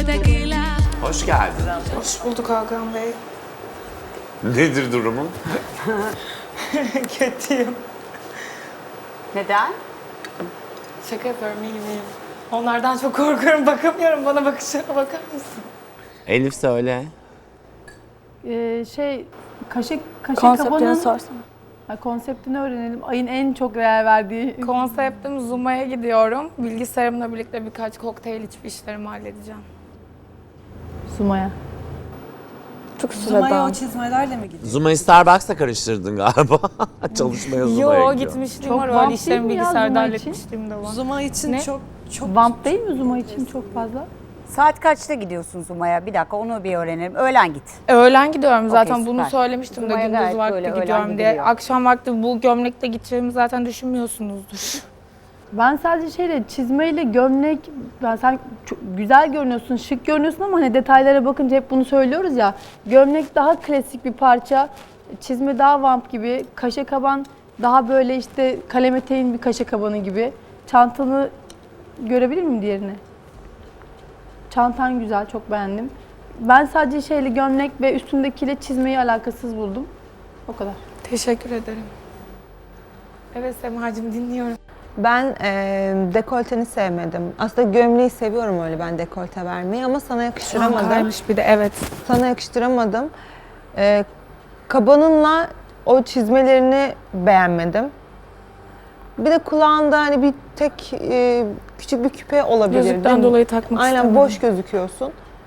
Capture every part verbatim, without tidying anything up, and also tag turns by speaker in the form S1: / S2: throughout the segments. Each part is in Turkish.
S1: Hoş geldin.
S2: Hoş bulduk Hakan Bey.
S1: Nedir durumun?
S2: Kötüyüm.
S3: Neden?
S2: Şaka yapıyorum, iyiyim iyiyim. Onlardan çok korkuyorum, bakamıyorum. Bana bakışlarına bakar mısın?
S1: Elif söyle.
S4: Ee, şey, kaşe, kaşe
S3: Konseptini
S4: kabanın
S3: sorsana.
S4: Ha, konseptini öğrenelim. Ayın en çok değer verdiği.
S2: Konseptim Zuma'ya gidiyorum. Bilgisayarımla birlikte birkaç kokteyl içip işlerimi halledeceğim.
S4: Sumaya.
S3: Çok
S5: Zuma'ya
S3: sıradan.
S5: o çizmelerle mi gidiyor?
S1: Zuma'yı Starbucks'la karıştırdın galiba. Çalışmaya Zuma'ya
S2: Yo,
S1: gidiyor.
S2: gitmişliğim
S4: Çok
S2: var,
S4: vamp
S2: öyle işlerimi
S4: değil mi ya
S2: bilgisayarda
S4: Zuma için?
S2: halletmişliğim de var.
S5: Zuma için
S2: Ne?
S5: çok çok
S4: Vamp değil mi Zuma için çok fazla?
S3: Saat kaçta gidiyorsun Zuma'ya? Bir dakika onu bir öğrenelim. Öğlen git.
S2: Öğlen gidiyorum zaten,
S3: Okey,
S2: bunu
S3: süper.
S2: söylemiştim de
S3: Zuma'ya
S2: gündüz
S3: gayet
S2: vakti
S3: böyle öğlen
S2: gidiyorum diye.
S3: gidiliyor.
S2: Akşam vakti bu gömlekle gideceğimi zaten düşünmüyorsunuzdur.
S4: Ben sadece şeyle çizmeyle gömlek, ben sen çok güzel görünüyorsun, şık görünüyorsun ama hani detaylara bakınca hep bunu söylüyoruz ya. Gömlek daha klasik bir parça, çizme daha vamp gibi, kaşe kaban daha böyle işte kalem eteğin bir kaşe kabanı gibi. Çantanı görebilir miyim diğerini? Çantan güzel, çok beğendim. Ben sadece şeyle gömlek ve üstündekiyle çizmeyi alakasız buldum. O kadar.
S2: Teşekkür ederim. Evet Semacığım, dinliyorum.
S6: Ben e, dekolteni sevmedim. Aslında gömleği seviyorum öyle ben dekolte vermeyi ama sana yakıştıramadım.
S2: Çankaymış bir de, evet.
S6: Sana yakıştıramadım. E, kabanınla o çizmelerini beğenmedim. Bir de kulağında hani bir tek e, küçük bir küpe olabilir.
S2: Gözlükten
S6: değil mi?
S2: dolayı takmak
S6: Aynen
S2: istemedim.
S6: boş gözüküyorsun.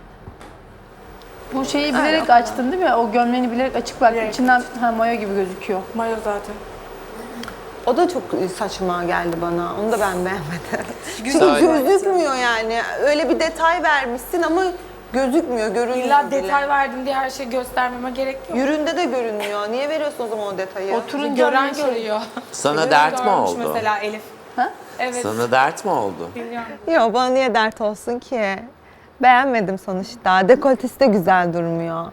S4: Bu şeyi bilerek açtın değil mi? O gömleğini bilerek açık bıraktın. İçinden ha, mayo gibi gözüküyor.
S2: Mayo zaten.
S6: O da çok saçma geldi bana. Onu da ben beğenmedim. Çünkü
S1: Güzel.
S6: gözükmüyor yani. Öyle bir detay vermişsin ama gözükmüyor, görünmüyor
S2: İlla
S6: bile.
S2: detay verdim diye her şeyi göstermeme gerek yok.
S6: Yüründe de görünmüyor. Niye veriyorsun o zaman o detayı?
S4: Oturunca
S2: Gören
S4: şey-
S2: görüyor.
S1: Sana dert mi
S2: Görmüş
S1: oldu?
S2: mesela Elif.
S4: Ha?
S2: Evet.
S1: Sana dert mi oldu?
S2: Biliyorum.
S6: Yok bana niye dert olsun ki? Beğenmedim sonuçta. Dekoltesi de güzel durmuyor.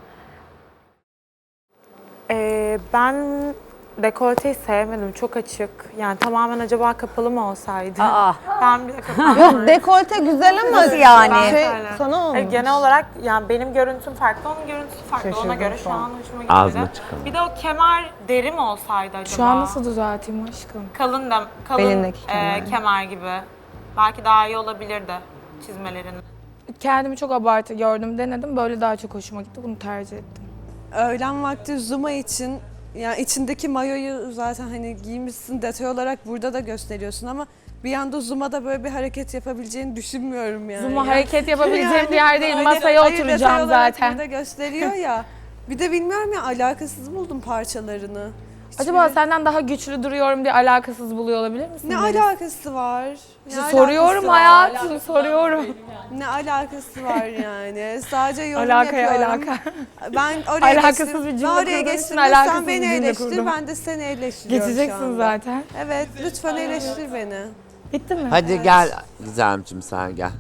S7: Ee, ben dekolteyi sevmedim. Çok açık. Yani tamamen acaba kapalı mı olsaydı?
S3: Aa.
S7: Ben bile kapalı.
S6: Yok dekolte güzel ama
S3: Nasıl yani?
S6: şey,
S7: Öyle.
S6: sana olmuş.
S7: Ee, genel olarak yani benim görüntüm farklı, onun görüntüsü farklı. Ona
S6: Şaşırdım
S7: göre
S6: şu
S7: şu
S6: an.
S7: an hoşuma gitmedi.
S1: Ağzına çıkalım.
S7: Bir de o kemer deri mi olsaydı acaba?
S2: Şu an nasıl düzelteyim aşkım?
S7: Kalın da, kalın
S6: Belindeki
S7: e,
S6: kemer.
S7: kemer gibi. Belki daha iyi olabilirdi çizmelerin.
S2: Kendimi çok abartı gördüm, denedim. Böyle daha çok hoşuma gitti. Bunu tercih ettim.
S5: Öğlen vakti Zuma için yani içindeki mayoyu zaten hani giymişsin detay olarak burada da gösteriyorsun ama bir anda Zuma'da böyle bir hareket yapabileceğini düşünmüyorum yani.
S2: Zuma
S5: Yani-
S2: hareket yapabileceğim
S5: Yani
S2: bir yer değil.
S5: öyle-
S2: Masaya
S5: hayır, detay
S2: oturacağım
S5: olarak
S2: zaten.
S5: Burada gösteriyor ya. Bir de bilmiyorum ya alakasız buldum parçalarını.
S2: Acaba
S5: Hiçbiri-
S2: senden daha güçlü duruyorum diye alakasız buluyor olabilir misin?
S5: ne
S2: Melis?
S5: alakası var? Ne
S2: İşte
S5: alakası
S2: soruyorum
S5: var?
S2: hayatım, soruyorum.
S5: Ne alakası var yani? Sadece yorum
S2: Alakaya
S5: yapıyorum.
S2: alaka.
S5: Ben oraya
S2: Alakasız
S5: geçtim.
S2: bir cümle
S5: Ben oraya
S2: kurduğun için
S5: geçtim.
S2: alakasız
S5: Sen
S2: bir
S5: beni
S2: cümle
S5: eleştir,
S2: kurdum.
S5: ben de seni eleştiriyorum şu
S2: Geçeceksin
S5: anda.
S2: zaten.
S5: Evet, lütfen eleştir beni.
S2: Bitti mi?
S1: Hadi gel Gizemciğim sen gel.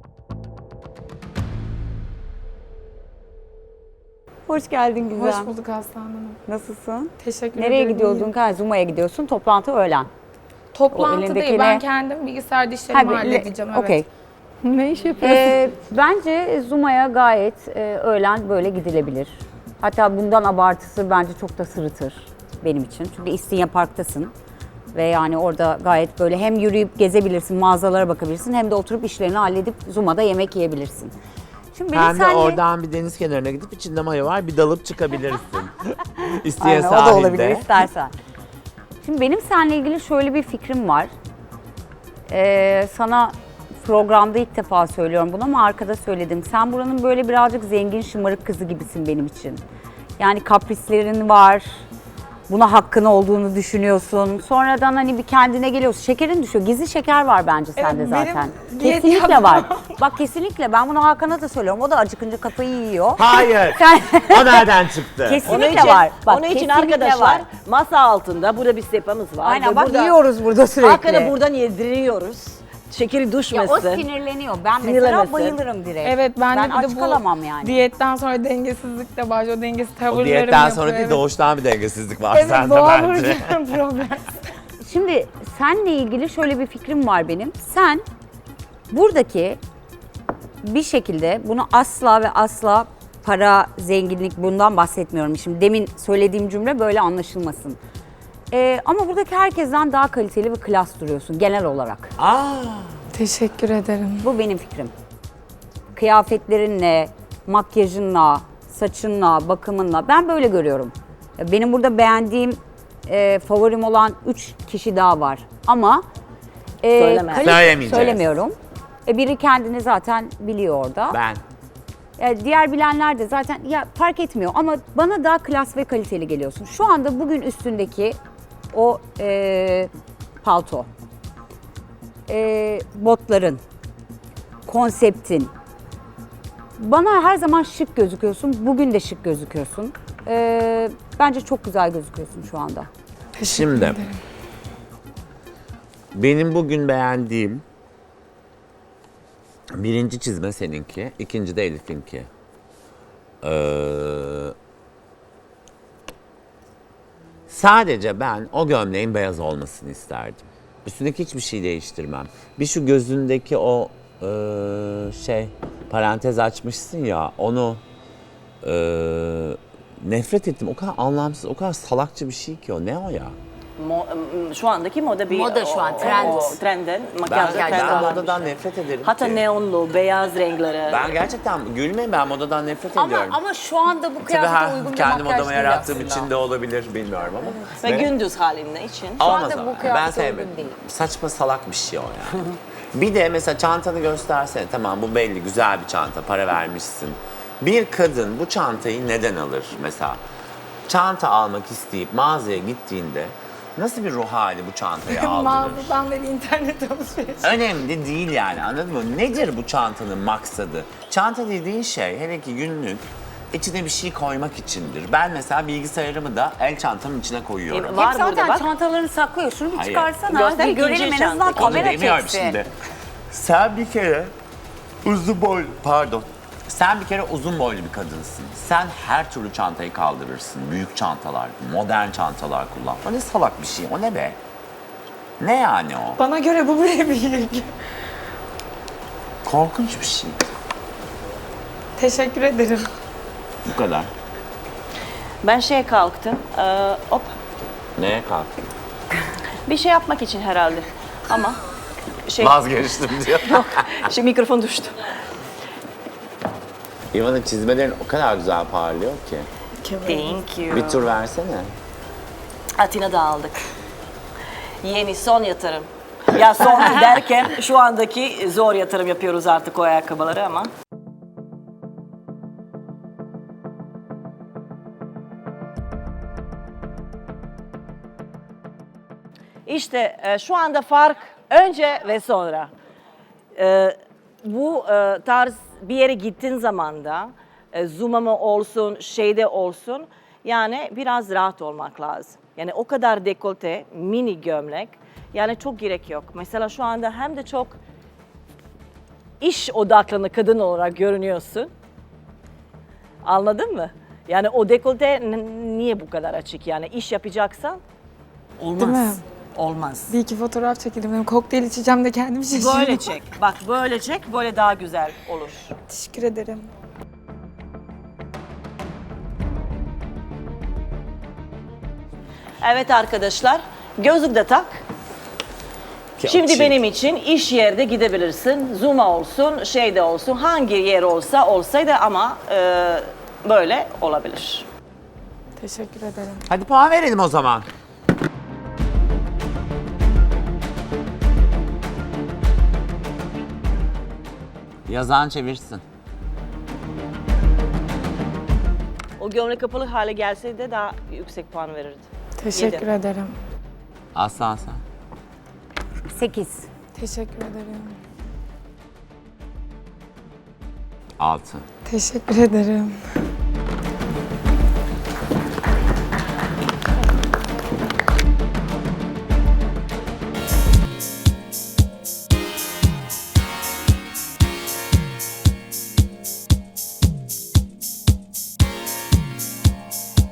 S3: Hoş geldin Güzel.
S2: Hoş bulduk Aslan Hanım.
S3: Nasılsın?
S2: Teşekkür
S3: Nereye
S2: ederim.
S3: gidiyordun? Ha, Zuma'ya gidiyorsun. Toplantı öğlen.
S2: Toplantı
S3: O
S2: değil.
S3: elindeki
S2: Ben
S3: ne?
S2: kendim bilgisayarda işlerimi
S3: bir-
S2: halledeceğim. Evet.
S3: Okey.
S4: Ne iş yapıyorsun?
S3: Ee, bence Zuma'ya gayet e, öğlen böyle gidilebilir. Hatta bundan abartısı bence çok da sırıtır benim için. Çünkü İstinye Park'tasın. Ve yani orada gayet böyle hem yürüyüp gezebilirsin, mağazalara bakabilirsin hem de oturup işlerini halledip Zuma'da yemek yiyebilirsin. Şimdi benim
S1: Hem de
S3: senle-
S1: oradan bir deniz kenarına gidip içinde mayo var bir dalıp çıkabilirsin. İsteye
S3: Aynen, o
S1: sahilde.
S3: da olabilir istersen. Şimdi benim seninle ilgili şöyle bir fikrim var. Ee, sana programda ilk defa söylüyorum bunu ama arkada söyledim. Sen buranın böyle birazcık zengin şımarık kızı gibisin benim için. Yani kaprislerin var. Buna hakkın olduğunu düşünüyorsun. Sonradan hani bir kendine geliyorsun. Şekerin düşüyor. Gizli şeker var bence sende
S2: benim
S3: zaten.
S2: diyet
S3: Kesinlikle
S2: yapmam.
S3: var. Bak kesinlikle ben bunu Hakan'a da söylüyorum. O da acıkınca kafayı yiyor.
S1: Hayır.
S3: Sen
S1: O nereden çıktı?
S3: kesinlikle
S8: Onun için,
S3: var. Bak,
S8: onun için
S3: kesinlikle
S8: arkadaşlar
S3: var.
S8: masa altında burada bir sehpamız var.
S3: Aynen
S8: Ve
S3: bak
S8: burada
S3: yiyoruz burada sürekli.
S8: Hakan'a buradan yediriyoruz. Şekeri
S3: Ya
S8: düşmesin.
S3: o sinirleniyor. Ben mesela
S8: Sinirlenmesin.
S3: bayılırım direkt.
S2: Evet, ben,
S3: ben
S2: de bir
S3: aç
S2: de bu
S3: kalamam yani.
S2: diyetten sonra dengesizlik de var. O dengesiz
S1: O
S2: tavırlarım
S1: diyetten
S2: yapıyor.
S1: sonra değil
S2: evet.
S1: doğuştan bir dengesizlik var
S2: Evet,
S1: sende
S2: doğal
S1: bence.
S2: vuracağım problem.
S3: Şimdi seninle ilgili şöyle bir fikrim var benim. Sen buradaki bir şekilde bunu asla ve asla para, zenginlik bundan bahsetmiyorum. Şimdi demin söylediğim cümle böyle anlaşılmasın. Ee, ama buradaki herkesten daha kaliteli ve klas duruyorsun genel olarak.
S1: Aa,
S2: Teşekkür ederim.
S3: Bu benim fikrim. Kıyafetlerinle, makyajınla, saçınla, bakımınla ben böyle görüyorum. Benim burada beğendiğim, e, favorim olan üç kişi daha var. Ama e,
S8: Söyleme.
S3: kalite-
S1: Söylemeyeceğiz.
S3: söylemiyorum. E, biri kendini zaten biliyor orada.
S1: ben.
S3: E, diğer bilenler de zaten ya fark etmiyor ama bana daha klas ve kaliteli geliyorsun. Şu anda bugün üstündeki o e, palto, e, botların, konseptin. Bana her zaman şık gözüküyorsun. Bugün de şık gözüküyorsun. E, bence çok güzel gözüküyorsun şu anda.
S2: Teşekkür
S1: Şimdi
S2: ederim.
S1: benim bugün beğendiğim birinci çizme seninki, ikinci de Elif'inki. Ee, sadece ben o gömleğin beyaz olmasını isterdim. Üstündeki hiçbir şey değiştirmem. Bir şu gözündeki o e, şey parantez açmışsın ya onu e, nefret ettim. O kadar anlamsız, o kadar salakça bir şey ki o. Ne o ya?
S8: Mo- m- şu andaki moda bir...
S3: Moda şu an,
S8: o-
S3: trend.
S8: O, trenden,
S1: Ben,
S8: makyaj
S1: ben
S8: trendi olan bir
S1: modadan
S8: şey.
S1: nefret ederim
S8: Hatta
S1: ki.
S8: neonlu, beyaz renkleri.
S1: Ben gerçekten gülmeyin, ben modadan nefret
S3: Ama
S1: ediyorum.
S3: ama şu anda bu
S1: Tabii
S3: kıyafete
S1: ha,
S3: uygun bir
S1: kendi
S3: makyaj
S1: modama
S3: değil
S1: yarattığım
S3: aslında.
S1: için de olabilir bilmiyorum ama.
S8: Ve
S1: Ve-
S8: gündüz halinde için.
S1: Olmaz
S3: anda
S1: ama.
S3: bu kıyafete
S1: Ben
S3: uygun
S1: sevmedim.
S3: değil.
S1: Saçma salak bir şey o yani. Bir de mesela çantanı göstersene. Tamam bu belli güzel bir çanta, para vermişsin. Bir kadın bu çantayı neden alır mesela? Çanta almak isteyip mağazaya gittiğinde nasıl bir ruh hali bu çantayı aldırır?
S2: Mağazadan beri internet alışveriş.
S1: Önemli değil yani, anladın mı? Nedir bu çantanın maksadı? Çanta dediğin şey hele ki günlük içine bir şey koymak içindir. Ben mesela bilgisayarımı da el çantamın içine koyuyorum.
S8: E, var
S3: Hep zaten
S8: burada bak.
S3: çantalarını saklıyor. Şunu bir
S1: Hayır.
S3: çıkarsana.
S8: Göster
S3: bir görelim
S8: ikinci
S3: en azından
S8: çanta.
S1: Onu
S3: kamera
S1: demiyorum
S3: çeksin.
S1: şimdi. Sen bir kere uzun boylu, pardon. Sen bir kere uzun boylu bir kadınsın. Sen her türlü çantayı kaldırırsın. Büyük çantalar, modern çantalar kullan. O ne salak bir şey, o ne be? Ne yani o?
S2: Bana göre bu bile büyük.
S1: Korkunç bir şey.
S2: Teşekkür ederim.
S1: Bu kadar.
S8: Ben şeye kalktım. Ee, hop.
S1: Neye kalktın?
S8: Bir şey yapmak için herhalde. Ama şey...
S1: Vazgeçtim diyor.
S8: Şimdi mikrofon düştü.
S1: İvan'ın çizmelerin o kadar güzel parlıyor ki.
S8: Thank you.
S1: Bir tur versene.
S8: Atina'da aldık. Yeni son yatırım. Ya son derken şu andaki zor yatırım yapıyoruz artık o ayakkabıları ama. İşte e, şu anda fark önce ve sonra. E, bu e, tarz bir yere gittiğin zaman da e, zoom'a mı olsun, şeyde olsun yani biraz rahat olmak lazım. Yani o kadar dekolte, mini gömlek yani çok gerek yok. Mesela şu anda hem de çok iş odaklı kadın olarak görünüyorsun. Anladın mı? Yani o dekolte n- niye bu kadar açık yani iş yapacaksan
S2: Değil mi?
S8: olmaz. Olmaz.
S2: Bir iki fotoğraf çekelim. Hem kokteyl içeceğim de kendimi şaşırdım.
S8: Böyle çek. Bak böyle çek. Böyle daha güzel olur.
S2: Teşekkür ederim.
S8: Evet arkadaşlar. Gözlük de tak.
S1: Ki
S8: Şimdi
S1: açık.
S8: benim için iş yerde gidebilirsin. Zoom'a olsun, şeyde olsun. Hangi yer olsa olsaydı ama e, böyle olabilir.
S2: Teşekkür ederim.
S1: Hadi puan verelim o zaman. Yazan çevirsin.
S8: O gömlek kapalı hale gelseydi daha yüksek puan verirdi.
S2: Teşekkür
S8: Yedi.
S2: ederim.
S1: Aslan sen.
S3: sekiz.
S2: Teşekkür ederim.
S1: Altı.
S2: Teşekkür ederim.